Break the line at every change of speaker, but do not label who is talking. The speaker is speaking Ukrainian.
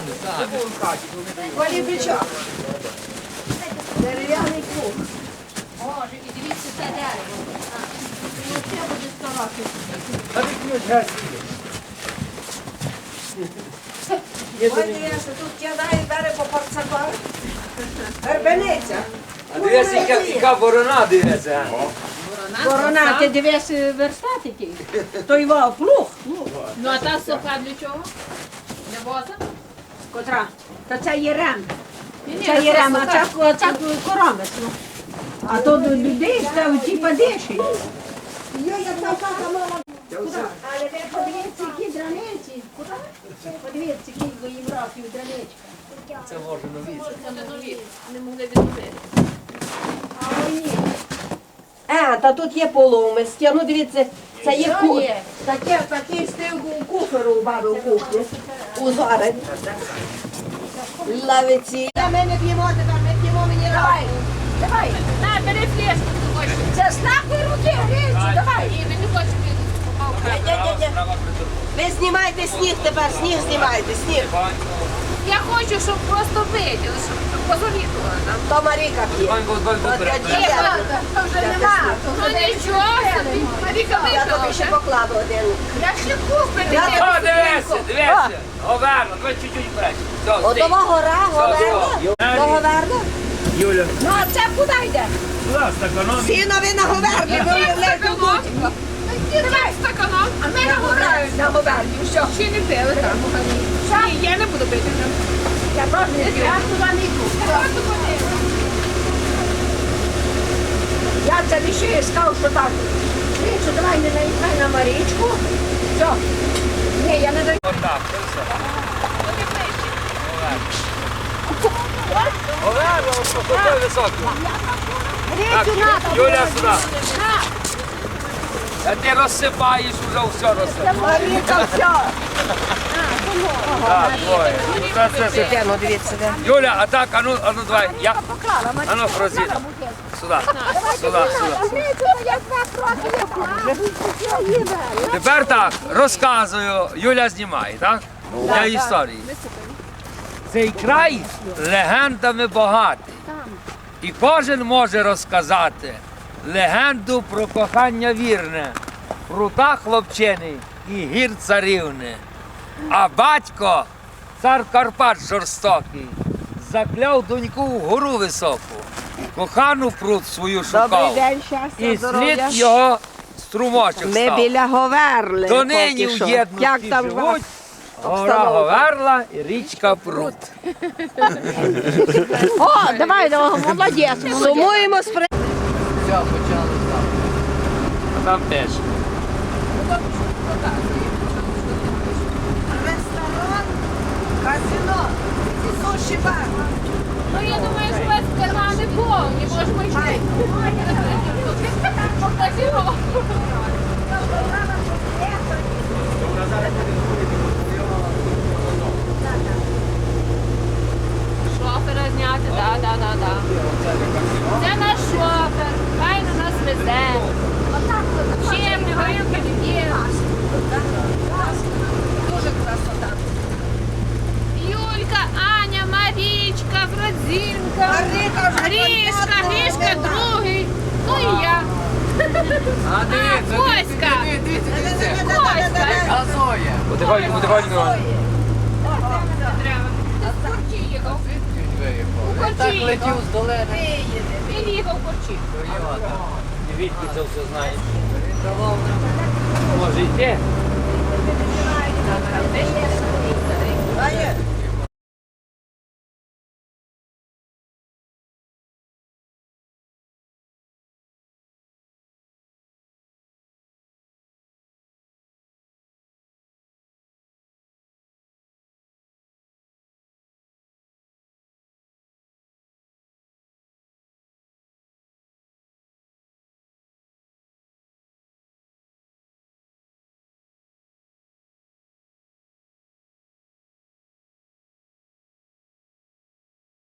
Полібричок. Дерев'яний круг.
Боже, і дивіться це дерево. І оце буде 100 років.
А ти ключ гасі.
Ось тут кидає дерево порцапар. Вербениця.
А дивись, яка борона дивиться.
Борона, ти дивись верстати ті.
Той вав плуг.
Ну а та сока для чого? Для воза?
Котра? Та це є рем.
Ні,
Це є рем, а це коромець. А то до людей став ті падиші. Але ви подивіться, які драничі. Подивіться, скільки їм років драничка.
Це може нові.
Це не нові, не могли відновити.
А ні. Та тут є полумисті. Ну дивіться, це є
Що
кут.
є?
Такий стив у кухару у баби у кухні. Узорень. Лавиці. Ми не п'ємо тепер, ми п'ємо мінеральні. Давай.
На, бери флешку, ти хочеш.
Це з нашої руки, грінці, давай.
Ні, ви не хочете попав.
Ви знімайте сніг тепер, сніг знімайте, сніг.
Я хочу, щоб просто виділи, щоб позоріли.
То Маріка п'є. От я діда.
Вже нема. Ну нічого собі. Маріка
Я тобі
випила
ще
вже.
покладу один.
Я ще купити.
О, дивися. Говерно, давай чуть-чуть краще.
Отого гора, Говерна. До Говерна.
Юля,
Ну а це куди йде?
будь ласка, економі.
Сінові на Говерні, ви уявляєте тут.
Давай стаканом. А ми
На Говерні, на Говерні, що?
ще не пили там. Ні, я не буду пити.
Я теж не п'ю.
Я туди не йду.
Я це лише сказав, що так. Річу, давай не наїхай на Марічку. Все. Ні, я не даю.
Отак, це все. Говерно, ось такий високий. Так, Юля, сюди. А ти розсипаєш, вже все розсипаєш.
Маріка, все.
Так, двоє. Це.
Ну, дивіться, де.
Юля, а так, ану, давай. Я. Ану, розі. Сюди. Сюди. Тепер так, розказую, Юля знімає, так? Для історії. Цей край легендами багатий. І кожен може розказати легенду про кохання вірне, прута хлопчини і гір царівни. А батько, цар Карпат жорстокий, закляв доньку в гору високу, кохану прут свою шукав, і слід його струмочок
Ми
став.
біля Говерли.
Донині
поки
в
що. Як
єдності
там
живуть, гора Говерла і річка Прут.
О, давай, молодець.
Сумуємо з при...
Все, почали там. А там теж.
Ресторан, казино і суші бар.
Ну, я думаю, що у вас кармани повні, можемо йти. Казино. Шофера зняти, да. Це наш шофер, хай на нас везе. Чим не горілки не є.
Дуже красота.
Юлька, Аня, Марічка, Фрадзінка,
Маріка вже
Грішка другий, ну і я.
А дивіться,
Коська. Коська.
Газує. Потихоньку.
З Корчі їхав. У Корчі їхав.
з долини.
Він їхав в Корчі.
Звідки це все знаєш? Може йти?
Аня,